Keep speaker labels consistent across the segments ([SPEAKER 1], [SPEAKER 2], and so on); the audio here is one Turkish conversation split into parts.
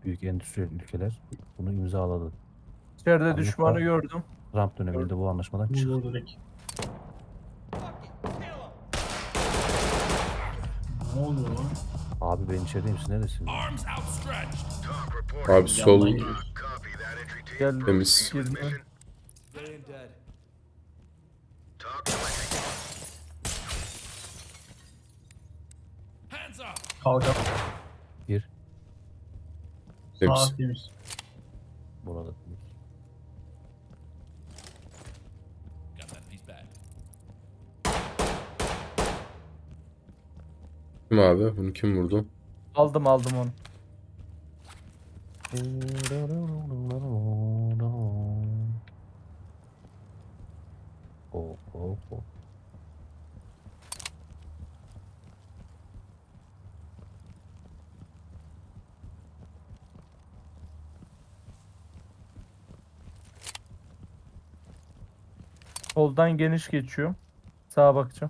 [SPEAKER 1] büyük endüstriyel ülkeler bunu imzaladı.
[SPEAKER 2] İçeride
[SPEAKER 1] Amerika-
[SPEAKER 2] düşmanı gördüm.
[SPEAKER 1] Trump döneminde bu anlaşmadan çıktı.
[SPEAKER 3] Vur direkt. Ne oluyor lan?
[SPEAKER 1] Abi ben içerideyim, siz neredesiniz?
[SPEAKER 4] Arms outstretched.
[SPEAKER 5] Abi sol
[SPEAKER 3] Yandan geliyoruz.
[SPEAKER 2] Gel
[SPEAKER 5] temiz.
[SPEAKER 2] girme.
[SPEAKER 4] Laying dead. Hands up.
[SPEAKER 3] Kalkan.
[SPEAKER 1] Bir
[SPEAKER 5] temiz.
[SPEAKER 3] Sağ temiz.
[SPEAKER 1] burada.
[SPEAKER 4] Got that piece back.
[SPEAKER 5] Kim abi? Bunu kim vurdu?
[SPEAKER 2] Aldım onu.
[SPEAKER 1] Oh, oh, oh.
[SPEAKER 2] Soldan geniş geçiyor. Sağa bakacağım.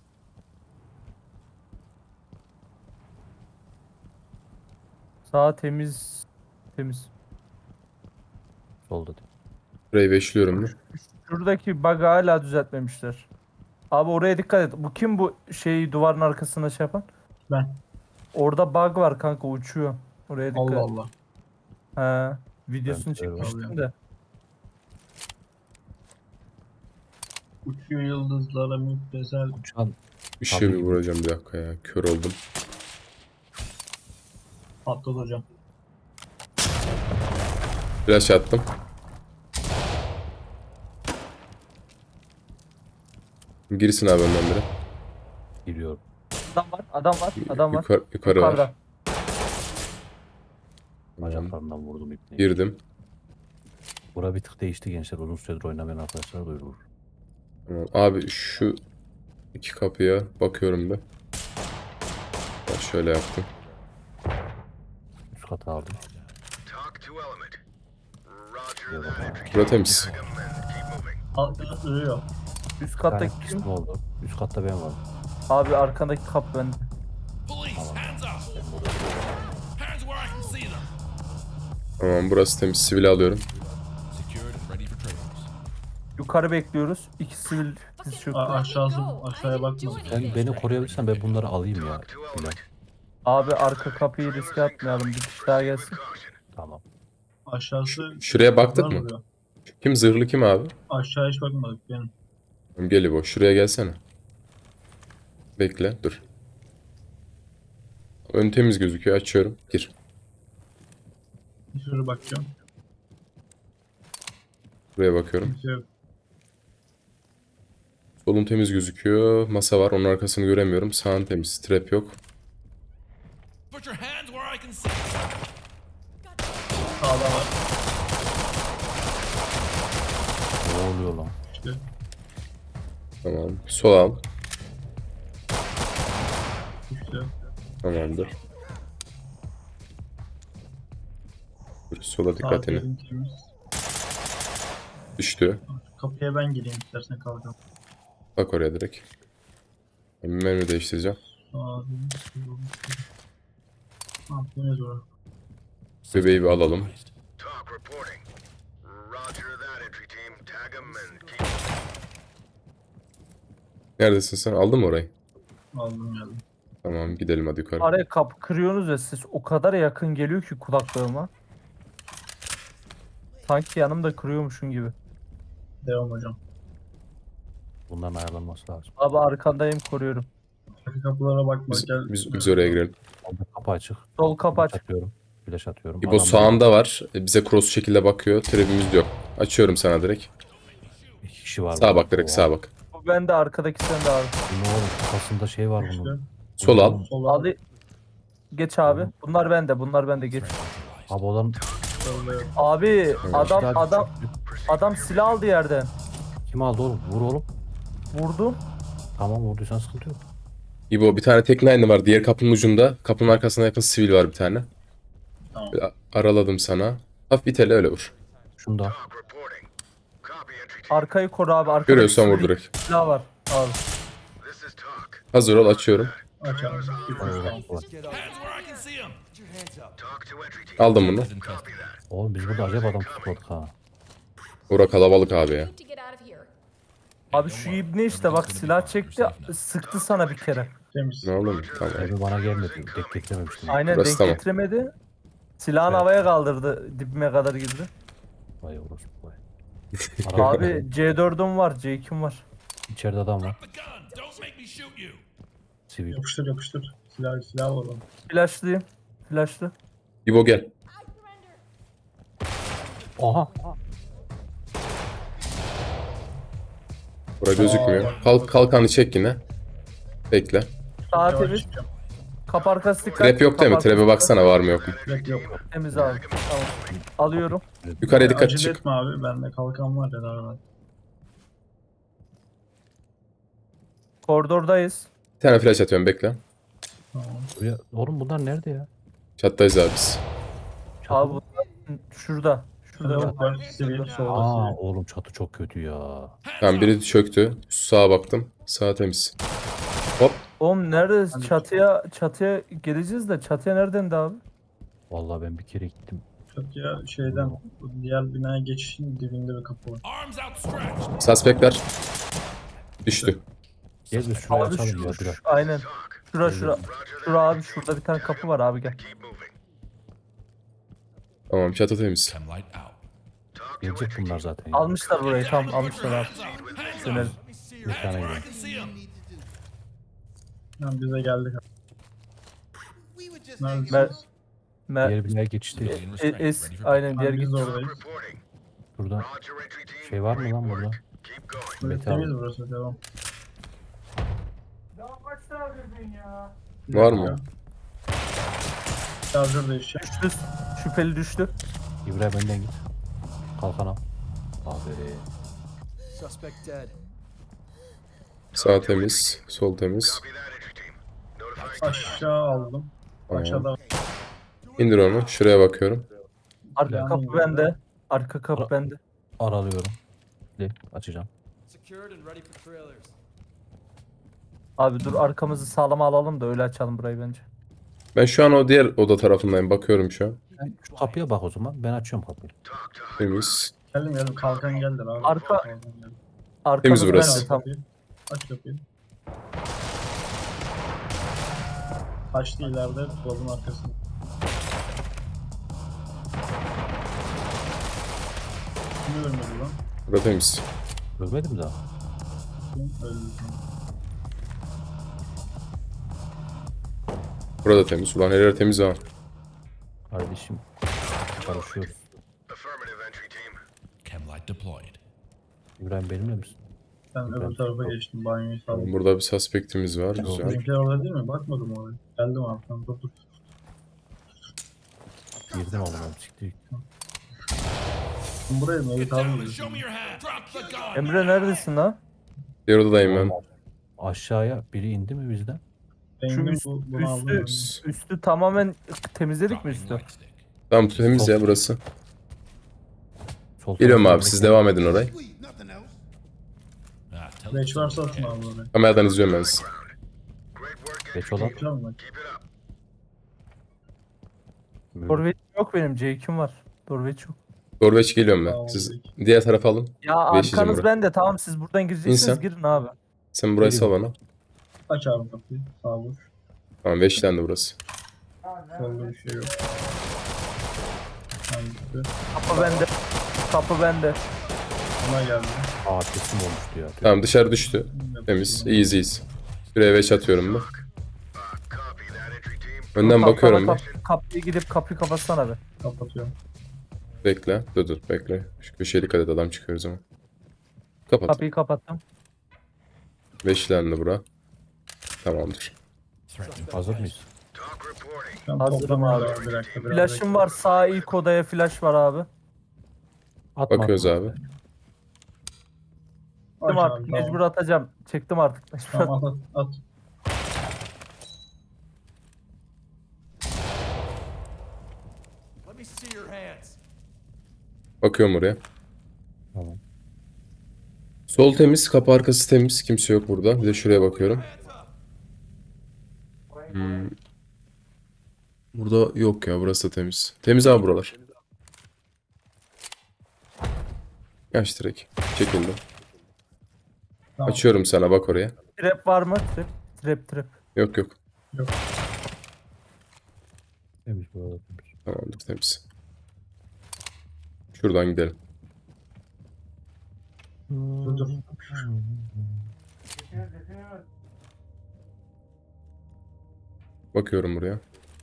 [SPEAKER 2] Sağ temiz. Temiz.
[SPEAKER 1] Solda değil.
[SPEAKER 5] Burayı beşliyorum mu?
[SPEAKER 2] Şuradaki bug'ı hala düzeltmemişler. Abi oraya dikkat et. Bu kim bu şeyi duvarın arkasında şey yapan?
[SPEAKER 3] Ben.
[SPEAKER 2] Orada bug var kanka, uçuyor. Oraya dikkat
[SPEAKER 3] Allah
[SPEAKER 2] et.
[SPEAKER 3] Allah.
[SPEAKER 2] He. Videosunu
[SPEAKER 1] Ben de öyle
[SPEAKER 2] çekmiştim de.
[SPEAKER 3] Uçuyor yıldızlara müptezel.
[SPEAKER 1] Uçan
[SPEAKER 5] Işığı
[SPEAKER 1] Tabii
[SPEAKER 5] bir
[SPEAKER 1] ki.
[SPEAKER 5] vuracağım bir dakika ya. Kör oldum.
[SPEAKER 3] Patladı hocam.
[SPEAKER 5] Flash attım. Girsin abi önden biri.
[SPEAKER 1] giriyor.
[SPEAKER 2] Adam var.
[SPEAKER 5] Yukarı var.
[SPEAKER 2] Yukarıda.
[SPEAKER 1] Bacaklarından vurdum ipneyi.
[SPEAKER 5] Girdim.
[SPEAKER 1] Bura bir tık değişti gençler. Uzun süredir oynamayan arkadaşlar duyurur.
[SPEAKER 5] Tamam. Abi şu iki kapıya bakıyorum bir. Ben şöyle yaptım.
[SPEAKER 1] Üst kata aldım.
[SPEAKER 5] Bura temiz.
[SPEAKER 3] Altına duruyor.
[SPEAKER 2] Üst
[SPEAKER 1] Bir
[SPEAKER 2] kattaki
[SPEAKER 1] tane
[SPEAKER 2] kim?
[SPEAKER 1] kısmı oldu. Üst katta ben varım.
[SPEAKER 2] Abi arkandaki kap bende.
[SPEAKER 4] Police, hands up. Hands where I can see them.
[SPEAKER 5] Tamam burası temiz. Sivil alıyorum.
[SPEAKER 4] Secured and ready for trailers.
[SPEAKER 2] Yukarı bekliyoruz. İki sivil diz çöktü.
[SPEAKER 3] Aşağısı, aşağıya bakma.
[SPEAKER 1] Sen beni koruyabilirsen ben bunları alayım ya. Bilal.
[SPEAKER 2] Abi arka kapıyı riske atmayalım. Bir kişi daha gelsin.
[SPEAKER 1] Tamam.
[SPEAKER 3] Aşağısı.
[SPEAKER 5] Şuraya baktık mı?
[SPEAKER 3] Duruyor.
[SPEAKER 5] Kim zırhlı kim abi?
[SPEAKER 3] Aşağı hiç bakmadık benim.
[SPEAKER 5] Tamam, gel İbo. Şuraya gelsene. Bekle. Dur. Ön temiz gözüküyor. Açıyorum. Gir.
[SPEAKER 3] Bir sürü bakacağım.
[SPEAKER 5] Buraya bakıyorum.
[SPEAKER 3] Kimse yok.
[SPEAKER 5] Solun temiz gözüküyor. Masa var. Onun arkasını göremiyorum. Sağın temiz. Trap yok.
[SPEAKER 4] Put your hands where I can see.
[SPEAKER 3] Sağda var.
[SPEAKER 1] Ne oluyor lan?
[SPEAKER 3] İşte.
[SPEAKER 5] Tamam. Sol al.
[SPEAKER 3] İşte.
[SPEAKER 5] Tamamdır. Dur, sola
[SPEAKER 3] Sağ
[SPEAKER 5] dikkatini.
[SPEAKER 3] temiz.
[SPEAKER 5] Düştü.
[SPEAKER 3] Kapıya ben gireyim istersen kalkan.
[SPEAKER 5] Bak oraya direkt. Ben menü değiştireceğim.
[SPEAKER 3] Sağ Tamam temiz orası.
[SPEAKER 5] Bebeği bir alalım.
[SPEAKER 6] Talk reporting. Roger that, entry team. Tag 'em and keep.
[SPEAKER 5] Neredesin sen? Aldın mı orayı?
[SPEAKER 3] Aldım geldim.
[SPEAKER 5] Tamam gidelim hadi yukarı.
[SPEAKER 2] Araya kapı kırıyorsunuz ve ses o kadar yakın geliyor ki kulaklığıma. Sanki yanımda kırıyormuşum gibi.
[SPEAKER 3] Devam hocam.
[SPEAKER 1] Bunların ayarlanması lazım.
[SPEAKER 2] Abi arkandayım, koruyorum.
[SPEAKER 3] Arka kapılara bakma.
[SPEAKER 5] Biz,
[SPEAKER 3] Gel.
[SPEAKER 5] biz oraya girelim.
[SPEAKER 1] Orada kapı açık.
[SPEAKER 2] Sol kapı
[SPEAKER 1] Flash
[SPEAKER 2] aç.
[SPEAKER 1] atıyorum. Flash atıyorum.
[SPEAKER 5] İbo
[SPEAKER 1] Adam
[SPEAKER 5] sağında var. Bize cross şekilde bakıyor. Trap'imiz yok. Açıyorum sana direkt.
[SPEAKER 1] iki kişi var.
[SPEAKER 5] Sağa
[SPEAKER 1] burada.
[SPEAKER 5] bak direkt
[SPEAKER 1] Oha.
[SPEAKER 5] sağa bak.
[SPEAKER 2] Bu bende, arkadaki sende abi.
[SPEAKER 1] Bu ne oğlum? Kafasında şey var
[SPEAKER 3] İşte.
[SPEAKER 1] bunun.
[SPEAKER 5] Sol al.
[SPEAKER 3] Sola.
[SPEAKER 2] Ali geç abi. Bunlar bende geç.
[SPEAKER 1] Abi olan
[SPEAKER 3] Sola.
[SPEAKER 2] Abi adam
[SPEAKER 1] Silahı
[SPEAKER 2] adam
[SPEAKER 1] çöktü.
[SPEAKER 2] adam silah aldı yerden.
[SPEAKER 1] Kim aldı oğlum? Vur oğlum.
[SPEAKER 2] Vurdum.
[SPEAKER 1] Tamam, vurduysan sıkıntı yok.
[SPEAKER 5] İbo bir tane tekne aynı var. Diğer kapının ucunda. Kapının arkasına yakın sivil var bir tane.
[SPEAKER 3] Tamam.
[SPEAKER 5] Araladım sana. Hafif bir tele öyle vur.
[SPEAKER 1] Şunu da.
[SPEAKER 6] Talk reporting. Copy, entry team.
[SPEAKER 2] Arkayı koru abi. Arkadaki
[SPEAKER 5] Görüyorsan vur
[SPEAKER 2] sivil
[SPEAKER 5] direkt.
[SPEAKER 2] silah var. Abi.
[SPEAKER 6] This is talk.
[SPEAKER 5] Hazır ol açıyorum.
[SPEAKER 3] Aç abi.
[SPEAKER 1] Vay, vay.
[SPEAKER 4] Hands where I can see them.
[SPEAKER 6] Talk to entry team.
[SPEAKER 5] Aldım bunu.
[SPEAKER 4] Isn't tested.
[SPEAKER 1] Oğlum biz burada acayip adam tutmadık ha.
[SPEAKER 5] Bura kalabalık abi ya.
[SPEAKER 7] Need to get out of here.
[SPEAKER 2] Abi şu ibne işte bak silah çekti sıktı sana bir kere.
[SPEAKER 3] Temiz.
[SPEAKER 5] Ne oğlum? Tamam.
[SPEAKER 1] Evi bana gelmedi. Denk getirememiştim.
[SPEAKER 2] Aynen
[SPEAKER 5] Burası
[SPEAKER 2] denk
[SPEAKER 5] tamam.
[SPEAKER 2] getiremedi. Silahını
[SPEAKER 1] Evet.
[SPEAKER 2] havaya kaldırdı dibime kadar girdi.
[SPEAKER 1] Vay orospu vay.
[SPEAKER 2] Abi C4'üm var C2'm var.
[SPEAKER 1] İçeride adam var.
[SPEAKER 4] The gun. Don't make me shoot you.
[SPEAKER 1] Sivil.
[SPEAKER 3] Yapıştır yapıştır. Silah var oğlum.
[SPEAKER 2] Flash'lıyım. Flash'lı.
[SPEAKER 5] İbo gel.
[SPEAKER 1] Aha.
[SPEAKER 5] Bura gözükmüyor. Kalkanı çek yine. Bekle.
[SPEAKER 2] Sağ
[SPEAKER 3] Yavaş
[SPEAKER 2] temiz.
[SPEAKER 3] çıkacağım.
[SPEAKER 2] Kapı arkası dikkat.
[SPEAKER 5] Trap yok değil mi?
[SPEAKER 2] Kapı
[SPEAKER 5] Trap'e
[SPEAKER 2] arkası
[SPEAKER 5] baksana var mı yok mu?
[SPEAKER 3] Direkt yok.
[SPEAKER 2] Temiz abi. Tamam. Alıyorum.
[SPEAKER 5] Yukarıya dikkat
[SPEAKER 3] Acele
[SPEAKER 5] çık.
[SPEAKER 3] etme abi. Bende kalkan var ya daha var.
[SPEAKER 2] Koridordayız.
[SPEAKER 5] Bir tane flash atıyorum bekle.
[SPEAKER 3] Tamam.
[SPEAKER 1] Buraya... Oğlum bunlar nerede ya?
[SPEAKER 5] Çattayız abi biz.
[SPEAKER 2] Abi bu şurada. Şurada.
[SPEAKER 3] Yok var. Sivil solda
[SPEAKER 1] Aa
[SPEAKER 3] sivil.
[SPEAKER 1] oğlum çatı çok kötü ya.
[SPEAKER 5] Tamam biri çöktü. Sağa baktım. Sağ temiz. Hop.
[SPEAKER 2] Oğlum nerede? Çatıya geleceğiz de çatıya nereden de abi?
[SPEAKER 1] Vallahi ben bir kere gittim.
[SPEAKER 3] Çatıya şeyden bu diğer binaya geçişin dibinde bir kapı var.
[SPEAKER 4] Arms outstretched.
[SPEAKER 5] Suspektler. Düştü.
[SPEAKER 1] Gel biz şurayı
[SPEAKER 2] Abi
[SPEAKER 1] açalım ya biraz.
[SPEAKER 2] aynen. Şura. Şura abi şurada bir tane kapı var abi gel.
[SPEAKER 6] Keep moving.
[SPEAKER 5] Tamam çatı temiz.
[SPEAKER 4] Chem light out.
[SPEAKER 6] Talk to
[SPEAKER 1] Gelecek
[SPEAKER 6] entry team.
[SPEAKER 1] bunlar zaten. ya.
[SPEAKER 2] Almışlar burayı tam almışlar abi.
[SPEAKER 4] Hands
[SPEAKER 2] Dönelim.
[SPEAKER 1] Bir tane
[SPEAKER 4] where I
[SPEAKER 1] gidelim.
[SPEAKER 4] can see them.
[SPEAKER 3] Yani bize geldik.
[SPEAKER 2] Mer,
[SPEAKER 3] Neredesiniz?
[SPEAKER 1] Diğer binaya geçişteyiz.
[SPEAKER 2] aynen diğer
[SPEAKER 3] Abi biz
[SPEAKER 2] git.
[SPEAKER 3] oradayız.
[SPEAKER 6] Reporting.
[SPEAKER 1] Burada
[SPEAKER 6] Roger entry team.
[SPEAKER 1] şey var mı lan burada?
[SPEAKER 6] Keep going.
[SPEAKER 3] Evet,
[SPEAKER 1] Metal.
[SPEAKER 3] temiz burası devam.
[SPEAKER 5] Var mı?
[SPEAKER 3] Şarjör değişecek.
[SPEAKER 2] Düştü. Şüpheli düştü.
[SPEAKER 1] İbrahim önden git. Kalkan al. Aferin.
[SPEAKER 5] Sağ temiz. Sol temiz.
[SPEAKER 6] Copy that entry team. Notifying
[SPEAKER 3] Aşağı aldım.
[SPEAKER 5] Tamam.
[SPEAKER 3] Aşağıda
[SPEAKER 5] İndir onu. Şuraya bakıyorum.
[SPEAKER 2] Arka
[SPEAKER 3] Yani
[SPEAKER 2] kapı
[SPEAKER 3] burada-
[SPEAKER 2] bende. Arka kapı bende.
[SPEAKER 1] Aralıyorum. Açacağım.
[SPEAKER 8] Secured and ready for trailers.
[SPEAKER 2] Abi dur arkamızı sağlama alalım da öyle açalım burayı bence.
[SPEAKER 5] Ben şu an o diğer oda tarafındayım. Bakıyorum şu an.
[SPEAKER 1] Sen şu kapıya bak o zaman. Ben açıyorum kapıyı.
[SPEAKER 6] talk to
[SPEAKER 5] Temiz.
[SPEAKER 3] geldim kalkan geldi abi.
[SPEAKER 2] Arka-
[SPEAKER 3] Kalkan geldi.
[SPEAKER 2] Arkamız
[SPEAKER 5] Temiz burası.
[SPEAKER 2] bende tam.
[SPEAKER 3] Aç kapıyı. Taşlı ileride dolabın arkasında. Kimi ölmedi lan?
[SPEAKER 5] Burada temiz.
[SPEAKER 1] Görmedim daha.
[SPEAKER 3] Kim öldü?
[SPEAKER 5] Burada temiz. Ulan her yer temiz ha.
[SPEAKER 1] Kardeşim. Karışıyoruz.
[SPEAKER 6] affirmative entry team.
[SPEAKER 4] Chem light deployed.
[SPEAKER 1] İbrahim benimle misin?
[SPEAKER 3] Ben öbür tarafa geçtim banyoyu
[SPEAKER 5] Tamam,
[SPEAKER 3] saldım.
[SPEAKER 5] burada bir suspektimiz var. Güzel.
[SPEAKER 3] Bizimkiler orada değil mi? Bakmadım oraya. Geldim arkadan dur.
[SPEAKER 1] Girdim ama ben çıktı.
[SPEAKER 3] Şimdi buraya mı?
[SPEAKER 4] Get
[SPEAKER 3] Evet
[SPEAKER 4] down
[SPEAKER 3] abi.
[SPEAKER 4] and show me your hand. Drop the gun.
[SPEAKER 2] Emre neredesin lan?
[SPEAKER 5] Diğer odadayım ben.
[SPEAKER 1] Aşağıya biri indi mi bizden?
[SPEAKER 2] Şu
[SPEAKER 3] Rengim
[SPEAKER 2] üst,
[SPEAKER 3] bunu aldım.
[SPEAKER 2] üstü tamamen temizledik mi üstü?
[SPEAKER 4] Light stick.
[SPEAKER 5] Tamam temiz ya burası.
[SPEAKER 1] Sol
[SPEAKER 5] Geliyorum
[SPEAKER 1] tarafta
[SPEAKER 5] abi siz devam edin orayı.
[SPEAKER 4] Ah, tell
[SPEAKER 3] Reç
[SPEAKER 4] it
[SPEAKER 3] varsa atın abi oraya.
[SPEAKER 5] Kameradan izliyorum ben sizi.
[SPEAKER 6] Great work,
[SPEAKER 1] Geç
[SPEAKER 6] entry
[SPEAKER 1] olan.
[SPEAKER 6] team.
[SPEAKER 3] Bekliyor musun?
[SPEAKER 6] Keep it up.
[SPEAKER 2] Dorveç yok benim C2'm var. Dorveç yok.
[SPEAKER 5] Dorveç geliyorum ben.
[SPEAKER 3] Tamam,
[SPEAKER 5] Siz
[SPEAKER 3] peki.
[SPEAKER 5] diğer tarafa alın.
[SPEAKER 2] Ya
[SPEAKER 5] Beşici
[SPEAKER 2] arkanız
[SPEAKER 5] burası.
[SPEAKER 2] bende tamam siz buradan gireceksiniz
[SPEAKER 5] İnsan.
[SPEAKER 2] girin abi.
[SPEAKER 5] Sen burayı sal bana.
[SPEAKER 3] Aç abi kapıyı. Sağ vur.
[SPEAKER 5] Tamam 5'ten de burası.
[SPEAKER 3] Solda bir şey yok. Hangisi?
[SPEAKER 2] Kapı bende. Kapı bende.
[SPEAKER 3] Buna geldi.
[SPEAKER 1] Aa teslim olmuştu ya.
[SPEAKER 5] Tamam dışarı düştü. Temiz. İyiyiz iyiyiz. Şuraya 5 atıyorum ben.
[SPEAKER 6] Copy that entry team.
[SPEAKER 5] Önden
[SPEAKER 2] Kalkana
[SPEAKER 5] bakıyorum ben.
[SPEAKER 2] Kapıyı gidip kapıyı kapatsana be.
[SPEAKER 3] Kapatıyorum.
[SPEAKER 5] Bekle. Dur bekle. Şu köşeye dikkat et adam çıkıyor o zaman. Kapat.
[SPEAKER 2] Kapıyı kapattım.
[SPEAKER 5] 5'ten de bura. Tamamdır.
[SPEAKER 4] threat.
[SPEAKER 1] Hazır mıyız?
[SPEAKER 6] Talk reporting.
[SPEAKER 3] Ben
[SPEAKER 2] Hazırım
[SPEAKER 3] toplamıyorum
[SPEAKER 2] abi.
[SPEAKER 3] Bir dakika. biraz
[SPEAKER 2] Flash'ım var sağ ilk odaya flash var abi.
[SPEAKER 1] Atma.
[SPEAKER 5] Bakıyoruz abi.
[SPEAKER 3] bekle.
[SPEAKER 2] Çektim
[SPEAKER 3] Aç
[SPEAKER 2] artık
[SPEAKER 3] abi,
[SPEAKER 2] mecbur atacağım. Çektim artık mecbur.
[SPEAKER 3] Tamam at.
[SPEAKER 8] Let me see your hands.
[SPEAKER 5] Bakıyorum oraya.
[SPEAKER 1] Tamam.
[SPEAKER 5] Sol temiz. Kapı arkası temiz. Kimse yok burada. Bir de şuraya bakıyorum.
[SPEAKER 8] Hands up.
[SPEAKER 5] Burada yok ya, burası da temiz. Temiz abi buralar. Yaş direkt. Çekildi.
[SPEAKER 3] Tamam.
[SPEAKER 5] Açıyorum sana, bak oraya.
[SPEAKER 2] Trap var mı? Trap.
[SPEAKER 5] Yok yok.
[SPEAKER 1] Temiz burada temiz.
[SPEAKER 5] Tamamdır, temiz. Şuradan gidelim.
[SPEAKER 3] Dur.
[SPEAKER 5] Bakıyorum buraya.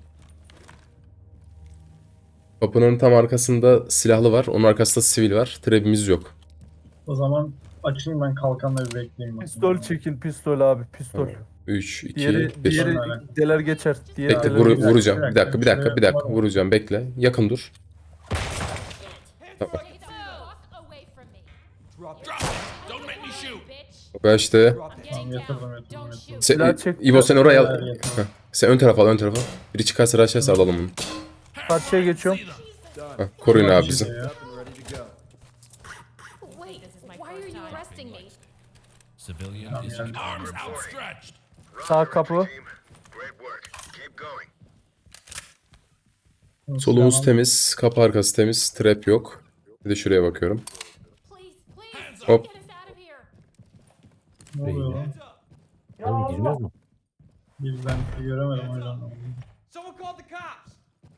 [SPEAKER 5] Kapının tam arkasında silahlı var. Onun arkasında sivil var. Trap'imiz yok.
[SPEAKER 3] O zaman açayım ben kalkanla bir bekleyeyim. bakayım.
[SPEAKER 2] Pistol çekin, pistol abi, pistol.
[SPEAKER 5] 3, 2,
[SPEAKER 2] Diğeri
[SPEAKER 5] 1.
[SPEAKER 2] deler geçer. Diğeri
[SPEAKER 5] Bekle,
[SPEAKER 2] deler geçer.
[SPEAKER 5] vuracağım. Bir dakika,
[SPEAKER 3] Şuraya var mı?
[SPEAKER 5] Vuracağım, bekle. Yakın dur. Tamam.
[SPEAKER 8] Drop it.
[SPEAKER 4] Drop it! Don't make me shoot!
[SPEAKER 5] Ben işte...
[SPEAKER 3] Tamam yatırdım.
[SPEAKER 2] Silah çekti.
[SPEAKER 5] İbo sen oraya al.
[SPEAKER 3] Silah
[SPEAKER 5] Heh. Sen ön tarafa al, ön tarafa. Biri çıkarsa raşlarsa alalım onu.
[SPEAKER 2] Karşıya geçiyorum.
[SPEAKER 5] Heh, koruyun abi bizi.
[SPEAKER 8] Up and ready to go.
[SPEAKER 7] Wait, why are you arresting me?
[SPEAKER 4] Civilian is
[SPEAKER 3] yani.
[SPEAKER 4] arms outstretched.
[SPEAKER 2] Sağ kapı.
[SPEAKER 6] Team, great work. Keep going.
[SPEAKER 5] Solumuz temiz, kapı arkası temiz, trap yok. Bir de şuraya bakıyorum.
[SPEAKER 7] Please,
[SPEAKER 5] Hop.
[SPEAKER 7] get us out of here.
[SPEAKER 3] Ne oluyor lan?
[SPEAKER 1] Oğlum girmiyor mu?
[SPEAKER 3] Ben göremedim o yüzden.
[SPEAKER 8] Someone called the cops!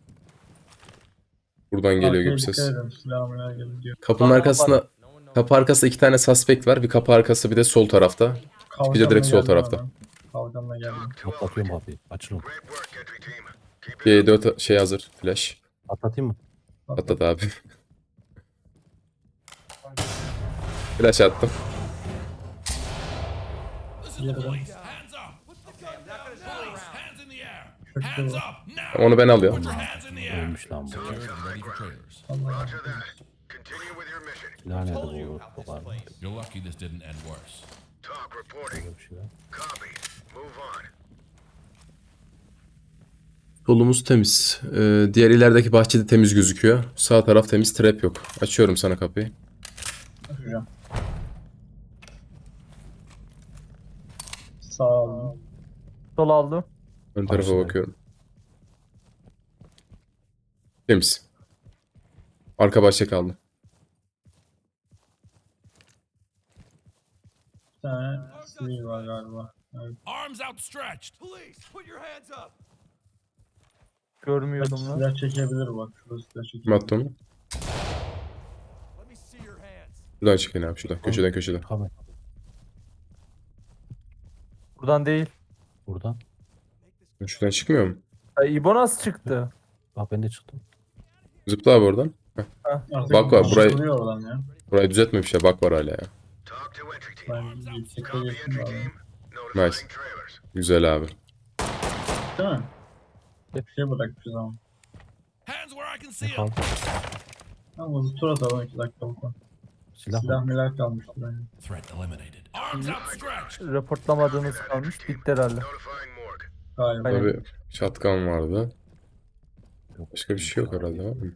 [SPEAKER 5] Buradan geliyor
[SPEAKER 3] Arkaya
[SPEAKER 5] gibi
[SPEAKER 3] dikkat
[SPEAKER 5] ses.
[SPEAKER 3] edin, silahımla geliyor.
[SPEAKER 5] Kapının arkasında... Kapı arkasında 2 tane suspect var. Bir kapı arkası, bir de sol tarafta.
[SPEAKER 3] Kalkanla
[SPEAKER 5] direkt sol
[SPEAKER 3] geldim
[SPEAKER 5] tarafta.
[SPEAKER 3] hemen. Kalkanla geldim.
[SPEAKER 1] Atlatıyorum kapıyı. Açılın.
[SPEAKER 6] Great work, entry team. Keep it
[SPEAKER 5] G4 şey hazır. Flash.
[SPEAKER 1] Atlatayım mı?
[SPEAKER 5] Atlat abi. Flash attım.
[SPEAKER 4] This is the
[SPEAKER 3] Yedi.
[SPEAKER 4] police. Hands up! Police, hands in the air!
[SPEAKER 3] Çok
[SPEAKER 4] Hands
[SPEAKER 3] iyi.
[SPEAKER 4] up now!
[SPEAKER 5] Onu ben alıyorum.
[SPEAKER 4] Put your hands in the air!
[SPEAKER 1] Ölmüş lan bu.
[SPEAKER 4] Ready for trailers.
[SPEAKER 6] Roger that. Continue with your mission.
[SPEAKER 1] Silah nerede bu? Bu var mı?
[SPEAKER 4] You're lucky this didn't end worse.
[SPEAKER 6] Talk reporting.
[SPEAKER 1] Böyle bir şeyler.
[SPEAKER 6] Copy. Move on.
[SPEAKER 5] Solumuz temiz. Diğer ilerideki bahçede temiz gözüküyor. Sağ taraf temiz, trap yok. Açıyorum sana kapıyı.
[SPEAKER 3] Açacağım. Sağ olun.
[SPEAKER 2] Sol aldım.
[SPEAKER 5] Ön tarafa
[SPEAKER 1] Karşıda.
[SPEAKER 5] bakıyorum. Temiz. Arka bahçe kaldı.
[SPEAKER 3] Bir tane sivil var galiba. Evet.
[SPEAKER 4] Arms outstretched!
[SPEAKER 8] Police, put your hands up!
[SPEAKER 2] Görmüyordum lan.
[SPEAKER 3] Silah çekebilir bak. Şurada silah
[SPEAKER 5] Kim
[SPEAKER 3] çekebilir.
[SPEAKER 5] attı onu?
[SPEAKER 8] Let me see your hands.
[SPEAKER 5] Şuradan çıkın abi, şuradan. Köşeden.
[SPEAKER 1] Kamera.
[SPEAKER 2] Buradan değil.
[SPEAKER 1] Buradan.
[SPEAKER 5] Şuradan çıkmıyor mu?
[SPEAKER 2] İbo nasıl çıktı?
[SPEAKER 1] Bak ben de çıktım.
[SPEAKER 5] Zıpla abi oradan. Heh.
[SPEAKER 3] Artık
[SPEAKER 5] Bak var,
[SPEAKER 3] bir şey
[SPEAKER 5] burayı-
[SPEAKER 3] vuruyor oradan ya.
[SPEAKER 5] Burayı düzeltmemişler. Bak var hala ya.
[SPEAKER 6] Talk to entry team.
[SPEAKER 3] Ben yüksekte
[SPEAKER 6] Copy,
[SPEAKER 3] geçtim
[SPEAKER 6] entry
[SPEAKER 3] abi.
[SPEAKER 6] team.
[SPEAKER 5] Nice.
[SPEAKER 6] Notifying trailers.
[SPEAKER 5] Güzel abi.
[SPEAKER 3] Değil mi? Bir şey bırakmışız ama.
[SPEAKER 4] Hands where I can see
[SPEAKER 1] Ne
[SPEAKER 4] them!
[SPEAKER 1] kaldı?
[SPEAKER 3] Ama hızlı tur atalım 2 dakika bakalım.
[SPEAKER 1] Silah
[SPEAKER 3] Silah
[SPEAKER 1] mı?
[SPEAKER 3] milah kalmıştır yani.
[SPEAKER 4] Threat eliminated. Arms outstretched!
[SPEAKER 2] Raportlamadığınız kalmış. Bitti herhalde.
[SPEAKER 6] Notifying morgue.
[SPEAKER 3] Galiba.
[SPEAKER 2] Aynen.
[SPEAKER 5] Tabii şatkan vardı.
[SPEAKER 1] Yok.
[SPEAKER 5] Başka bir şey yok herhalde abi.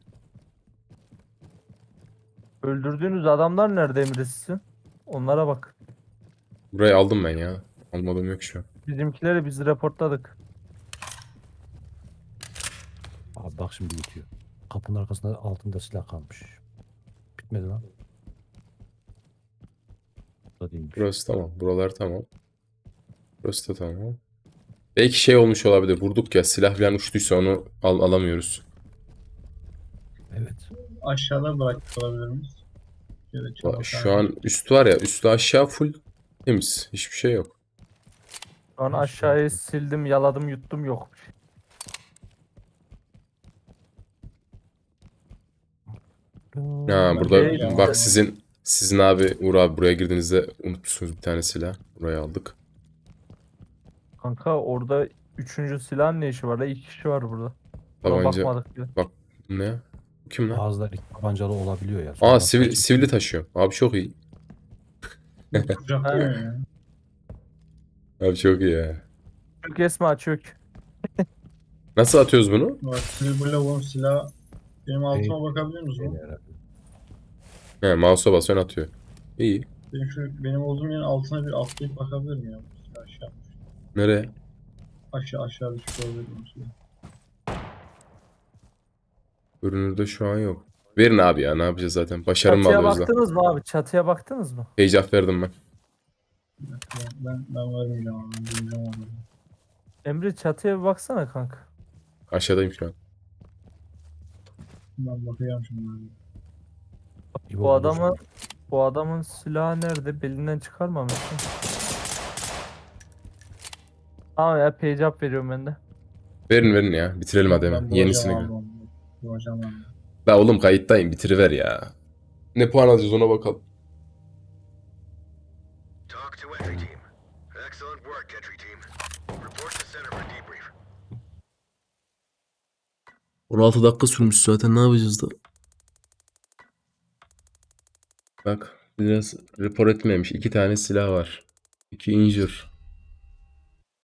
[SPEAKER 2] Öldürdüğünüz adamlar nerede Emre sizin? Onlara bak.
[SPEAKER 5] Burayı aldım ben ya. Almadığım yok şu an.
[SPEAKER 2] Bizimkileri biz raportladık.
[SPEAKER 1] Abi bak şimdi bitiyor. Kapının arkasında altında silah kalmış. Bitmedi lan. Burada değilmiş.
[SPEAKER 5] Burası tamam. Buralar tamam. Burası da tamam. Belki şey olmuş olabilir. Vurduk ya, silah falan uçtuysa onu alamıyoruz.
[SPEAKER 1] Evet.
[SPEAKER 3] Aşağıda bırakmış olabilir miyiz? Şöyle çabuk
[SPEAKER 5] Şu an üst var ya, üstü aşağı full temiz. Hiçbir şey yok.
[SPEAKER 2] Şu an aşağıyı sildim, yaladım, yuttum, yok.
[SPEAKER 5] Ha burada
[SPEAKER 3] Okey.
[SPEAKER 5] bak sizin abi Uğur abi buraya girdiğinizde unutmuşsunuz bir tane silah. Buraya aldık.
[SPEAKER 2] Kanka orada üçüncü silahın ne işi var? 2 kişi var burada. Buna
[SPEAKER 5] Tabanca.
[SPEAKER 2] bakmadık bile.
[SPEAKER 5] Ne? Bu kim lan?
[SPEAKER 1] Bazıları iki tabancalı olabiliyor ya.
[SPEAKER 5] Aa
[SPEAKER 1] Sonra
[SPEAKER 5] sivili taşıyor. Abi çok iyi.
[SPEAKER 3] kucaklıyor ya.
[SPEAKER 5] Abi çok iyi ya.
[SPEAKER 2] Çök Esma çök.
[SPEAKER 5] Nasıl atıyoruz bunu?
[SPEAKER 3] Bak sivil bu lavuğun silahı. Benim altıma bakabiliyor musun?
[SPEAKER 1] herhalde.
[SPEAKER 5] He mouse'a basıyorsun atıyor. İyi.
[SPEAKER 3] Benim olduğum yerin altına bir atlayıp bakabilir miyim ya? Bu silah aşağı.
[SPEAKER 5] Nereye?
[SPEAKER 3] Aşağı düşük olabilir.
[SPEAKER 5] Görünürde şu an yok. Verin abi ya, ne yapacağız zaten. Başarı mı
[SPEAKER 2] Çatıya
[SPEAKER 5] alıyoruz da?
[SPEAKER 2] baktınız mı abi? Çatıya baktınız mı?
[SPEAKER 5] Heyecan verdim ben.
[SPEAKER 3] Ben vermeyeceğim abi. Ben vereceğim onu.
[SPEAKER 2] Emre çatıya bir baksana kanka.
[SPEAKER 5] Aşağıdayım şu an.
[SPEAKER 3] Ben bakacağım şimdi.
[SPEAKER 1] İbo
[SPEAKER 2] Bu
[SPEAKER 1] bulur.
[SPEAKER 2] adamın silahı nerede? Belinden çıkarmamış mı? Tamam ya page up veriyorum ben de.
[SPEAKER 5] Verin ya. Bitirelim hadi hemen.
[SPEAKER 3] Ben
[SPEAKER 5] Yenisini
[SPEAKER 3] bulacağım
[SPEAKER 5] gör.
[SPEAKER 3] abi onu. Bulacağım onu.
[SPEAKER 5] La oğlum kayıttayım. Bitiriver ya. Ne puan alacağız ona bakalım.
[SPEAKER 6] Talk to entry team. Excellent work, entry team. Report to center for debrief.
[SPEAKER 5] 16 dakika sürmüş zaten, ne yapacağız da? Bak biraz rapor etmemiş. 2 tane silah var. 2 injure.